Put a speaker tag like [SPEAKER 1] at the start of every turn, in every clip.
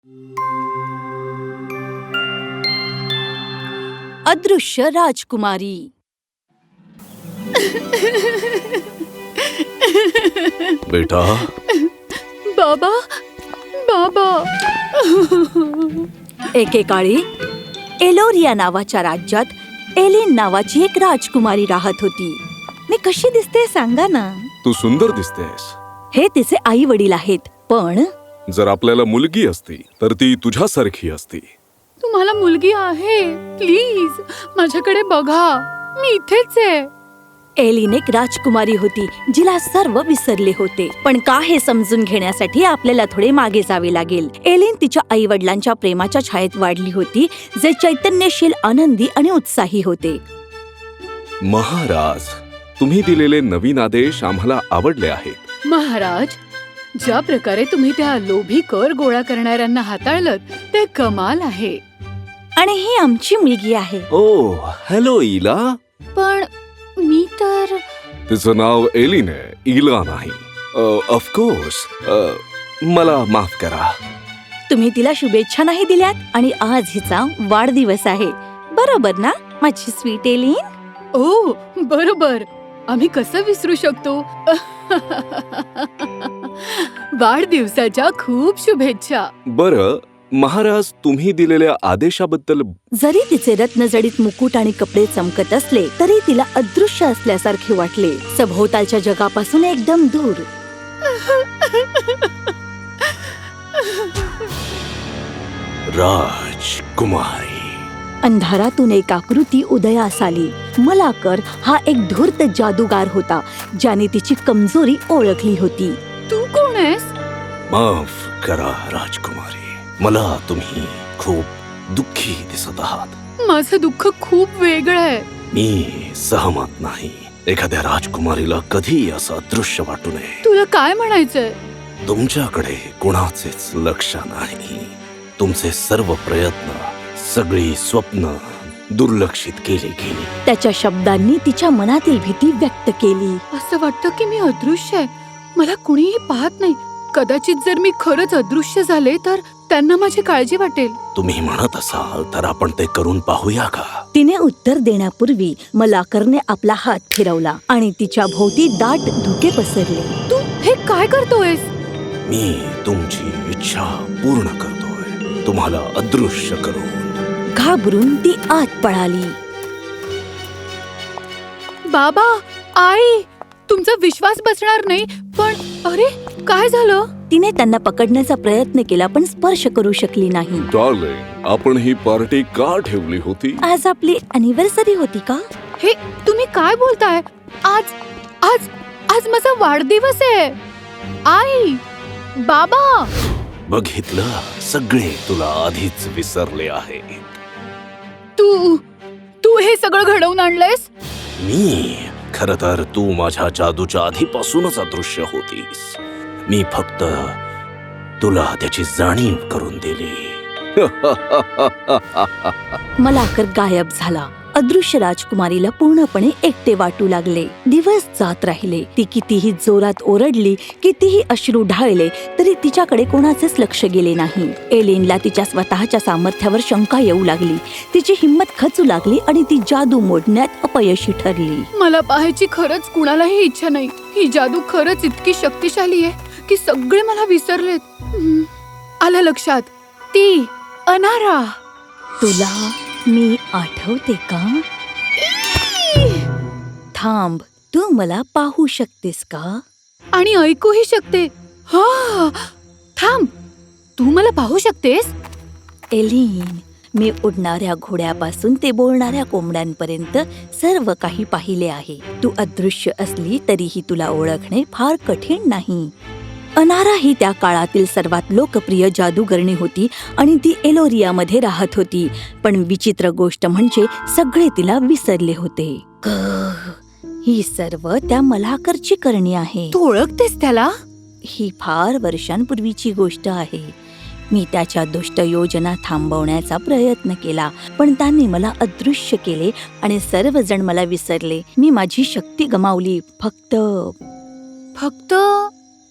[SPEAKER 1] अदृश्य राजकुमारी.
[SPEAKER 2] बेटा,
[SPEAKER 1] बाबा, बाबा. एकेकाळी एलोरिया नावाच्या राज्यात एलिन नावाची एक राजकुमारी राहत होती. मी कशी दिसते सांगा ना.
[SPEAKER 2] तू सुंदर दिसतेस.
[SPEAKER 1] हे तिचे आई वडील आहेत, पण
[SPEAKER 2] जर आपल्याला मुलगी असती तर ती तुझ्यासारखी असती.
[SPEAKER 3] तुम्हाला मुलगी आहे, प्लीज माझ्याकडे बघा, मी इथेच आहे.
[SPEAKER 1] एलिन एक राजकुमारी होती जिला सर्व विसरले होते. पण का हे समजून घेण्यासाठी आपल्याला थोडे मागे जावे लागेल. एलिन तिच्या आई वडिलांच्या प्रेमाच्या छायेत वाढली होती, जे चैतन्यशील, आनंदी आणि उत्साही होते.
[SPEAKER 2] महाराज, तुम्ही दिलेले नवीन आदेश आम्हाला आवडले आहेत.
[SPEAKER 3] महाराज, ज्या प्रकारे तुम्ही त्या लोभी कर गोळा करणाऱ्यांना हाताळलं ते कमाल आहे.
[SPEAKER 1] आणि ही आमची मुलगी आहे.
[SPEAKER 2] Oh, hello Ila.
[SPEAKER 3] पण मी तर
[SPEAKER 2] तिचं नाव एलिन आहे, इला नाही. ऑफकोर्स, मला माफ करा.
[SPEAKER 1] तुम्ही तिला शुभेच्छा नाही दिल्यात आणि आज हिचा वाढदिवस आहे, बरोबर ना माझी स्वीट एलिन?
[SPEAKER 3] ओ बरोबर, आम्ही कसं विसरू शकतो. वाढदिवसाच्या खूप शुभेच्छा.
[SPEAKER 2] बरं महाराज, तुम्ही दिलेल्या आदेशाबद्दल.
[SPEAKER 1] जरी तिचे रत्नजडित मुकुट आणि कपडे चमकत असले तरी तिला अदृश्य असल्यासारखे वाटले, सभोवतालच्या जगापासून एकदम दूर.
[SPEAKER 2] राजकुमारी.
[SPEAKER 1] अंधारातून एक आकृती उदयास आली. मलाकर हा एक धूर्त जादूगार होता ज्याने तिची कमजोरी ओळखली होती.
[SPEAKER 3] तू कोण आहेस?
[SPEAKER 2] माफ करा राजकुमारी, मला तुम्ही खूप दुःखी दिसत आहात.
[SPEAKER 3] माझं दुःख खूप वेगळं आहे.
[SPEAKER 2] मी सहमत नाही. एखाद्या राजकुमारीला कधी असं अदृश्य वाटू नये.
[SPEAKER 3] तुला काय म्हणायचंय?
[SPEAKER 2] तुमच्याकडे कोणाचेच लक्ष नाही. तुमचे सर्व प्रयत्न, सगळी स्वप्न दुर्लक्षित केली गेली.
[SPEAKER 1] त्याच्या शब्दांनी तिच्या मनातील भीती व्यक्त केली.
[SPEAKER 3] असं वाटतं की मी अदृश्य आहे, मला कुणीही पाहत नाही. कदाचित जर मी खरंच अदृश्य झाले तर त्यांना माझी काळजी वाटेल.
[SPEAKER 2] तुम्ही म्हणत असाल तर आपण ते करून पाहूया का?
[SPEAKER 1] तिने उत्तर देण्यापूर्वी मलाकरने आपला हात फिरवला आणि तिच्या भोवती दाट धुके पसरले.
[SPEAKER 3] तू हे काय करतोयस?
[SPEAKER 2] मी तुमची इच्छा पूर्ण करतोय, तुम्हाला अदृश्य करून.
[SPEAKER 1] घाबरून ती आत पळाली.
[SPEAKER 3] बाबा, आई, तुमचा विश्वास बसणार नाही. पण अरे, काय झालं?
[SPEAKER 1] तिने त्यांना पकडण्याचा प्रयत्न केला पण स्पर्श करू शकली नाही.
[SPEAKER 2] डार्लिंग, आपण ही पार्टी का ठेवली होती?
[SPEAKER 1] आज आपली अॅनिव्हर्सरी होती का?
[SPEAKER 3] हे तुम्ही काय बोलताय? आज आज आज माझा वाढदिवस आहे. आई, बाबा.
[SPEAKER 2] बघितलं, सगळे तुला आधीच विसरले आहे.
[SPEAKER 3] तू तू हे सगळं घडवून आणलंयस?
[SPEAKER 2] मी खरं तर तू माझ्या जादूच्या आधीपासूनच अदृश्य होतीस. मी फक्त तुला त्याची जाणीव करून दिली.
[SPEAKER 1] मलाकर गायब झाला. अदृश्य राजकुमारीला पूर्णपणे एकटे वाटू लागले. दिवस जात राहिले. ती कितीही जोरात ओरडली, कितीही अश्रू ढाळले तरी तिच्याकडे कोणाचेच लक्ष गेले नाही. एलिनला तिच्या स्वतःच्या सामर्थ्यावर शंका येऊ लागली. तिची हिंमत खचू लागली आणि ती जादू मोडण्यात अपयशी ठरली.
[SPEAKER 3] मला पाहायची खरंच कुणालाही इच्छा नाही. ही जादू खरंच इतकी शक्तिशाली आहे की सगळे मला विसरलेत. आलं लक्षात, ती अनारा.
[SPEAKER 1] तुला मी आठवते का? थांब, तू मला पाहू शकतेस का?
[SPEAKER 3] आणि ऐकूही शकते. हा, थांब, तू मला पाहू शकतेस?
[SPEAKER 1] एलिन, मी उडणाऱ्या घोड्यापासून ते बोलणाऱ्या कोंबड्यांपर्यंत सर्व काही पाहिले आहे. तू अदृश्य असली तरीही तुला ओळखणे फार कठीण नाही. अनारा ही त्या काळातील सर्वात लोकप्रिय जादूगरणी होती आणि ती एलोरियामध्ये राहत होती. पण विचित्र गोष्ट म्हणजे सगळे तिला विसरले होते. ही सर्व त्या मलाकरची करणी आहे.
[SPEAKER 3] तू ओळखतेस त्याला?
[SPEAKER 1] ही फार वर्षांपूर्वीची गोष्ट आहे. मी त्याच्या दुष्ट योजना थांबवण्याचा प्रयत्न केला, पण त्यांनी मला अदृश्य केले आणि सर्वजण मला विसरले. मी माझी शक्ती गमावली. फक्त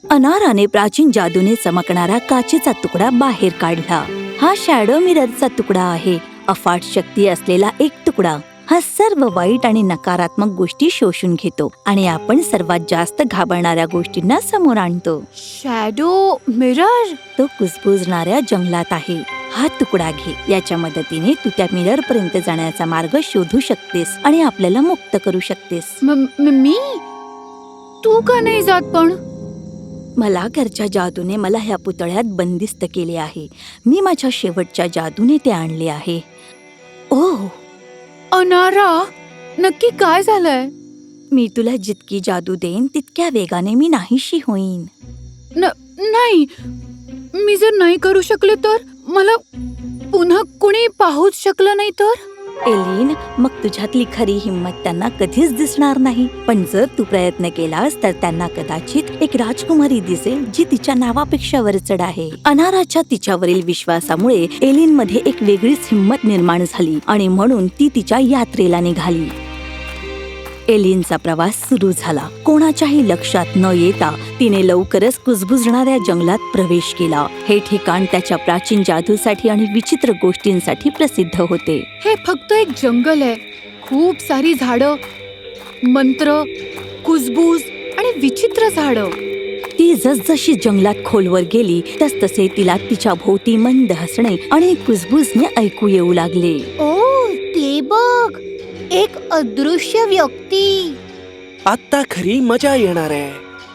[SPEAKER 1] अनाराने प्राचीन जादूने चमकणारा काचेचा तुकडा बाहेर काढला. हा शॅडो मिररचा तुकडा आहे. अफाट शक्ती असलेला एक तुकडा. हा सर्व वाईट आणि नकारात्मक गोष्टी शोषून घेतो आणि आपण सर्वात जास्त घाबरणाऱ्या गोष्टींना समोर आणतो.
[SPEAKER 3] Shadow mirror.
[SPEAKER 1] तो कुजबुजणाऱ्या जंगलात आहे. हा तुकडा घे. याच्या मदतीने तू त्या मिरर पर्यंत जाण्याचा मार्ग शोधू शकतेस आणि आपल्याला मुक्त करू शकतेस.
[SPEAKER 3] मी? तू का नाही जात पण?
[SPEAKER 1] मला घरच्या जादूने मला ह्या पुतळ्यात बंदिस्त केले आहे. मी माझ्या शेवटच्या जादूने ते आणले आहे. ओह,
[SPEAKER 3] अनारा, नक्की काय झालंय?
[SPEAKER 1] मी तुला जितकी जादू देईन तितक्या वेगाने मी नाहीशी होईन.
[SPEAKER 3] नाही, मी जर नाही करू शकले तर मला पुन्हा कुणी पाहूच शकलं नाही तर?
[SPEAKER 1] एलिन, मग तुझ्यातली खरी हिंमत त्यांना कधीच दिसणार नाही. पण जर तू प्रयत्न केलास तर त्यांना कदाचित एक राजकुमारी दिसेल जी तिच्या नावापेक्षा वरचढ आहे. अनाराच्या तिच्यावरील विश्वासामुळे एलिन मध्ये एक वेगळीच हिंमत निर्माण झाली आणि म्हणून ती तिच्या यात्रेला निघाली. एलिनचा प्रवास सुरू झाला. कोणाच्याही लक्षात न येता तिने लवकरच कुजबुजणाऱ्या जंगलात प्रवेश केला. हे ठिकाण त्याच्या प्राचीन जादूसाठी आणि विचित्र गोष्टींसाठी प्रसिद्ध होते.
[SPEAKER 3] हे फक्त एक जंगल आहे. खूप सारी झाडं, मंत्र, कुजबूज आणि विचित्र झाडं.
[SPEAKER 1] ती जसजशी जंगलात खोलवर गेली तसतसे तिला तिच्या भोवती मंद हसणे आणि कुजबुजने ऐकू येऊ लागले.
[SPEAKER 4] ओ, ते बघ, एक अदृश्य व्यक्ती.
[SPEAKER 5] आत्ता खरी मजा येणार आहे.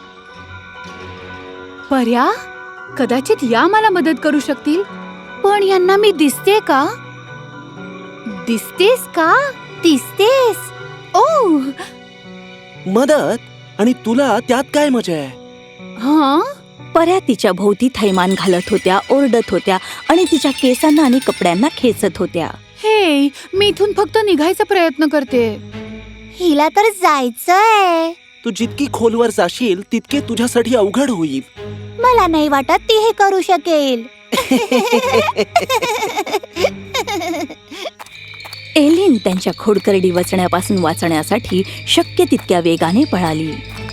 [SPEAKER 3] पर्या, कदाचित या मला मदत करू शकतील.
[SPEAKER 4] पण यांना मी दिसते का? दिसतेस का? दिसतेस.
[SPEAKER 3] ओ,
[SPEAKER 5] मदत? आणि तुला त्यात काय मजा आहे?
[SPEAKER 3] हा,
[SPEAKER 1] पर्या तिच्या भोवती थैमान घालत होत्या, ओरडत होत्या आणि तिच्या केसांना आणि कपड्यांना खेचत होत्या.
[SPEAKER 3] हे, मी इथून फक्त निघायचा प्रयत्न करते.
[SPEAKER 4] हिला तर जायचंय.
[SPEAKER 5] तू जितकी खोलवर जाशील तितके तुझ्यासाठी अवघड होईल.
[SPEAKER 4] मला नाही वाटत ती हे करू शकेल.
[SPEAKER 1] एलिन त्यांच्या खोडकरडी वचण्यापासून वाचण्यासाठी शक्य तितक्या वेगाने पळाली.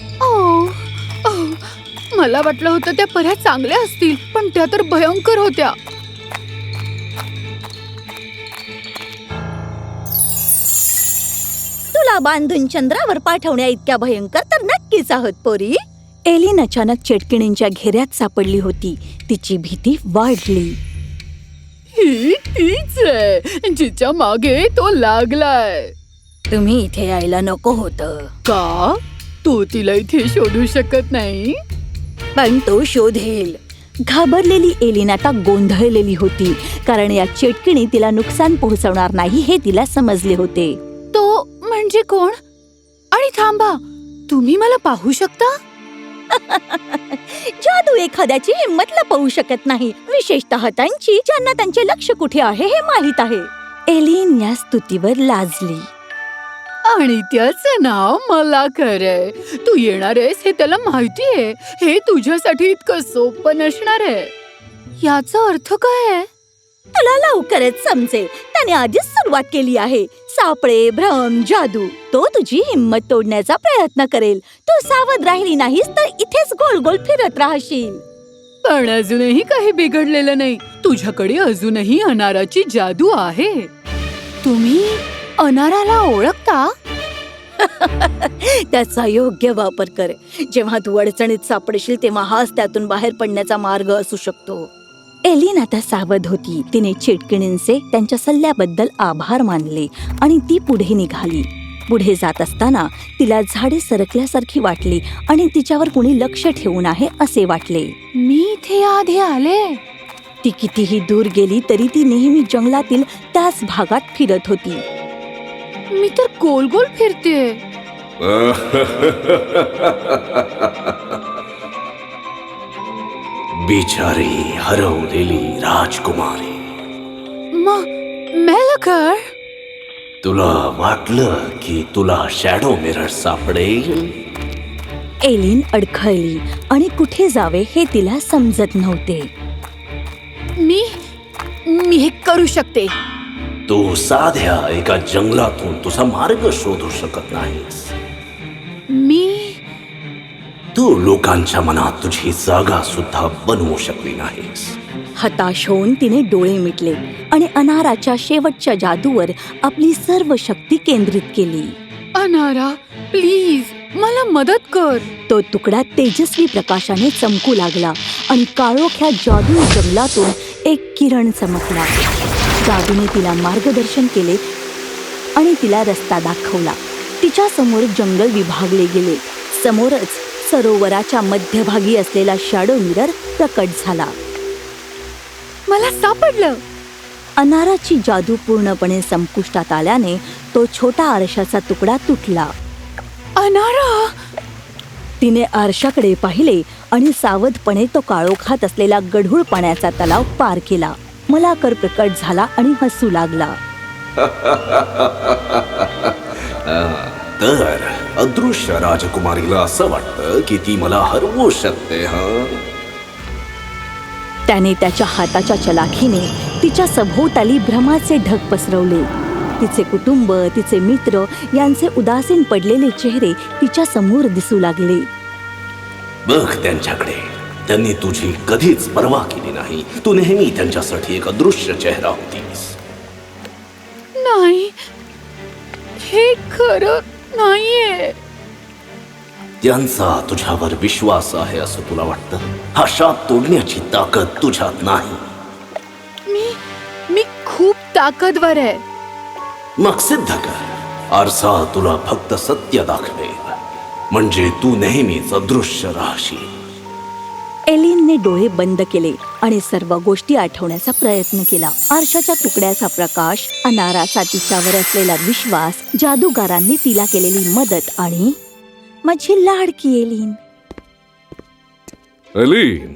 [SPEAKER 3] मला वाटलं होतं त्या पर्या चांगल्या असतील, पण त्या तर भयंकर होत्या.
[SPEAKER 1] तुला बांधून चंद्रावर पाठवण्या इतक्या भयंकर तर नक्कीच आहोत पोरी. एलिन अचानक चेटकिणींच्या घेऱ्यात सापडली होती. तिची भीती वाढली.
[SPEAKER 3] ही तीच आहे जिच्या मागे तो लागलाय.
[SPEAKER 1] तुम्ही इथे यायला नको होतं.
[SPEAKER 3] का? तू तिला इथे शोधू शकत नाही?
[SPEAKER 1] पण तो शोधेल. घाबरलेली एलिन आता गोंधळलेली होती, कारण या चेटकिणी तिला नुकसान पोहोचवणार नाही हे तिला समजले होते.
[SPEAKER 3] तो म्हणजे कोण? आणि थांबा, तुम्ही मला पाहू शकता?
[SPEAKER 1] जादू एखाद्याची हिंमत लपवू शकत नाही, विशेषतः त्यांची ज्यांना त्यांचे लक्ष कुठे आहे हे माहित आहे. एलिन या स्तुतीवर लाजली.
[SPEAKER 3] आणि त्याचं नाव मला खरंय. तू येणार आहेस हे त्याला माहितीये. हे तुझ्यासाठी इतकं सोपं नसणार आहे. याचा अर्थ काय आहे?
[SPEAKER 1] तुला लवकरच समजेल. त्याने आधीच सुरुवात केली आहे. सापळे, भ्रम, जादू. तो तुझी हिंमत तोडण्याचा प्रयत्न करेल. तू सावध राहिली नाहीस तर इथेच गोल गोल फिरत राहशील.
[SPEAKER 3] पण अजूनही काही बिघडलेलं नाही. तुझ्याकडे अजूनही अनाराची जादू आहे. तुम्ही अनाराला ओळखता?
[SPEAKER 1] त्याचा योग्य वापर कर. जेव्हा तू अडचणीत सापडशील तेव्हा हाच त्यातून बाहेर पडण्याचा मार्ग असू शकतो. एलिन आता सावध होती. तिने चेटकिणींचे त्यांच्या सल्ल्याबद्दल आभार मानले आणि ती पुढे निघाली. पुढे जात असताना तिला झाडे सरकल्यासारखी वाटली आणि तिच्यावर कुणी लक्ष ठेवून आहे असे वाटले.
[SPEAKER 3] मी इथे आधी आले.
[SPEAKER 1] ती कितीही दूर गेली तरी ती नेहमी जंगलातील त्याच भागात फिरत होती.
[SPEAKER 3] मी तर गोल गोल फिरते.
[SPEAKER 2] बिचारी हरवलेली राजकुमारी.
[SPEAKER 3] मेलकर,
[SPEAKER 2] तुला वाटलं की तुला शॅडो मिरर सापडेल?
[SPEAKER 1] एलिन अडखळली आणि कुठे जावे हे तिला समजत नव्हते.
[SPEAKER 3] मी हे करू शकते.
[SPEAKER 2] तू साध्या एका जंगलातून तुझा मार्ग शोधू शकत नाहीस.
[SPEAKER 3] मी
[SPEAKER 2] तू तू लोकांच्या मनात तुझी जागा सुद्धा बनवू शकली नाहीस.
[SPEAKER 1] हताश होऊन तिने डोळे मिटले आणि अनाराच्या शेवटच्या जादूवर आपली सर्व शक्ती केंद्रित केली.
[SPEAKER 3] अनारा, प्लीज मला मदत कर.
[SPEAKER 1] तो तुकडा तेजस्वी प्रकाशाने चमकू लागला आणि काळोख्या जादू जंगलातून एक किरण चमकला. जादूने तिला मार्गदर्शन केले आणि तिला रस्ता दाखवला. तिच्या समोर जंगल विभागले गेले. समोरच सरोवराच्या मध्यभागी असलेला शॅडो मिरर प्रकट झाला.
[SPEAKER 3] मला सापडलं.
[SPEAKER 1] अनाराची जादू पूर्णपणे संपुष्टात आल्याने तो छोटा आरशाचा तुकडा तुटला.
[SPEAKER 3] अनारा,
[SPEAKER 1] तिने आरशाकडे पाहिले आणि सावधपणे तो काळोखात असलेला गढूळ पाण्याचा तलाव पार केला. मलाकर प्रकट झाला आणि हसू लागला.
[SPEAKER 2] तर अदृश्य राजकुमारीला असं वाटतं की ती मला हरवू शकते.
[SPEAKER 1] त्याने त्याच्या हाताच्या चलाखीने तिच्या सभोवताली भ्रमाचे ढग पसरवले. तिचे कुटुंब, तिचे मित्र यांचे उदासीन पडलेले चेहरे तिच्या समोर दिसू लागले.
[SPEAKER 2] बघ त्यांच्याकडे. त्यांनी तुझी कधीच पर्वा केली नाही. तू नेहमी त्यांच्यासाठी एक अदृश्य चेहरा होतीस.
[SPEAKER 3] नाही, हे खरं नाहीये.
[SPEAKER 2] त्यांचा तुझ्यावर विश्वास आहे असं तुला वाटतं? हा शाप तोडण्याची ताकद तुझ्यात नाही.
[SPEAKER 3] मी खूप ताकदवर आहे.
[SPEAKER 2] मग सिद्ध कर. आरसा तुला फक्त सत्य दाखवेल, म्हणजे तू नेहमीच अदृश्य राहशील.
[SPEAKER 1] एलिनने डोळे बंद केले आणि सर्व गोष्टी आठवण्याचा प्रयत्न केला. आरशाच्या तुकड्याचा प्रकाश, अनाराचा तिच्यावर असलेला विश्वास, जादूगारांनी तिला केलेली मदत आणि माझी लाडकी एलिन.
[SPEAKER 2] एलिन,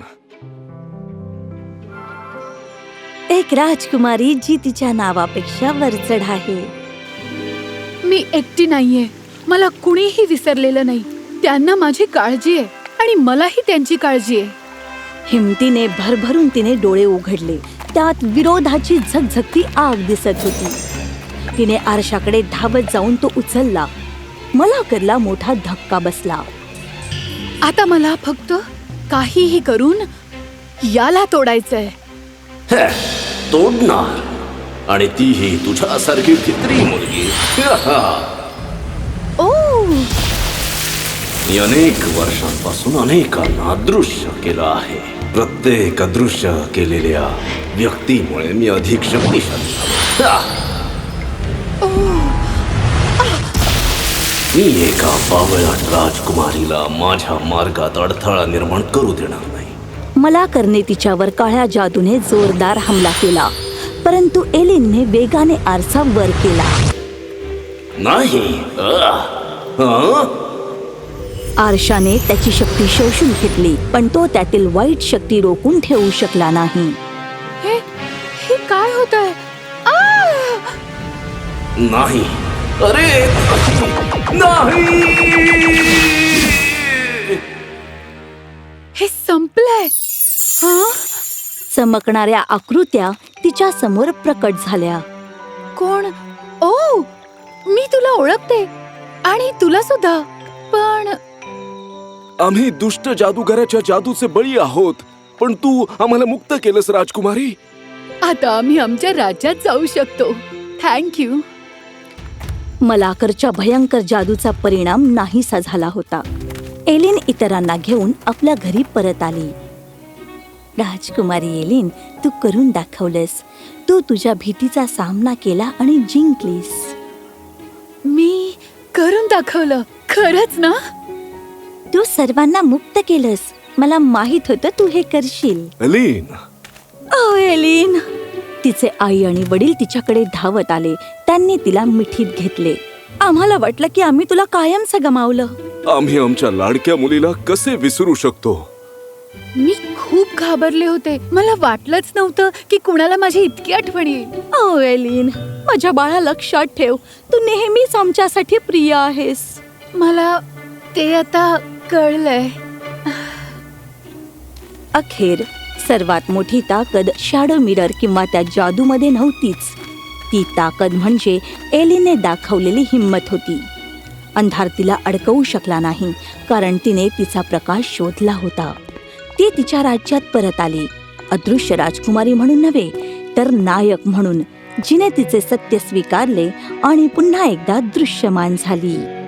[SPEAKER 1] एक राजकुमारी जी तिच्या नावापेक्षा वरचढ आहे.
[SPEAKER 3] मी एकटी नाहीये. मला कुणीही विसरलेलं नाही. त्यांना माझी काळजी आहे आणि मलाही त्यांची काळजी आहे.
[SPEAKER 1] हिमतीने भरभरून तिने डोळे उघडले. त्यात विरोधाची झगझगती आग दिसत होती. तिने आरशाकडे धावत जाऊन तो उचलला. मलाकरला मोठा धक्का बसला.
[SPEAKER 3] आता मला फक्त काहीही करून याला तोडायचंय.
[SPEAKER 2] तोडणार, आणि तीही तुझ्यासारखी फित्री मुलगी.
[SPEAKER 3] ओ,
[SPEAKER 2] मी अनेक वर्षांपासून अनेकांना अदृश्य केलं आहे. प्रत्येक अदृश्य केलेल्या व्यक्तीमुळे मी अधिक शक्तिशाली झालो. मी एका बावळट राजकुमारीला माझ्या मार्गात अडथळा निर्माण करू देणार नाही.
[SPEAKER 1] मलाकरने तिच्यावर काळ्या जादूने जोरदार हमला केला, परंतु एलिनने वेगाने आरसा वर केला.
[SPEAKER 2] नाही.
[SPEAKER 1] आरशाने त्याची शक्ती शोषून घेतली, पण तो त्यातील वाईट शक्ती रोखून ठेवू शकला नाही.
[SPEAKER 3] हे काय होतंय?
[SPEAKER 2] नाही. अरे नाही.
[SPEAKER 3] हे संपलंय.
[SPEAKER 1] चमकणाऱ्या आकृत्या तिच्या समोर प्रकट झाल्या.
[SPEAKER 3] कोण? ओ, मी तुला ओळखते आणि तुला सुद्धा. पण
[SPEAKER 5] आम्ही दुष्ट जादूगाराच्या जादूचे बळी आहोत, पण तू आम्हाला मुक्त केलंस राजकुमारी.
[SPEAKER 3] आता आम्ही आमच्या राज्यात जाऊ शकतो. थँक्यू.
[SPEAKER 1] मलाकरच्या भयंकर जादूचा परिणाम नाहीसा झाला होता. एलिन इतरांना घेऊन आपल्या घरी परत आली. राजकुमारी एलिन, तू करून दाखवलंस. तू तुझ्या भीतीचा सामना केला आणि जिंकलीस.
[SPEAKER 3] मी करून दाखवलं. खरंच ना?
[SPEAKER 1] तू सर्वांना मुक्त केलंस. मला माहित होतं तू हे करशील.
[SPEAKER 5] Elin,
[SPEAKER 1] oh Elin. तिचे आई आणि वडील तिच्याकडे धावत आले. त्यांनी तिला मिठीत घेतले. आम्हाला वाटलं की आम्ही तुला कायमचं गमावलं.
[SPEAKER 5] आम्ही आमच्या लाडक्या मुलीला कसे विसरू शकतो?
[SPEAKER 3] मी खूप घाबरले होते. मला वाटलंच नव्हतं की कुणाला माझी इतकी आठवण येईल.
[SPEAKER 1] ओ एलिन, माझ्या बाळा, लक्षात ठेव, तू नेहमीच आमच्यासाठी प्रिय आहेस.
[SPEAKER 3] मला ते आता कळलंय.
[SPEAKER 1] अखेर सर्वात मोठी ताकद शॅडो मिरर किंवा त्या जादूमध्ये नव्हतीच. ती ताकद म्हणजे एलिनने दाखवलेली हिंमत होती. अंधार तिला अडकवू शकला नाही, कारण तिने तिचा प्रकाश शोधला होता. ती तिच्या राज्यात परत आली, अदृश्य राजकुमारी म्हणून नव्हे, तर नायक म्हणून, जिने तिचे सत्य स्वीकारले आणि पुन्हा एकदा दृश्यमान झाली.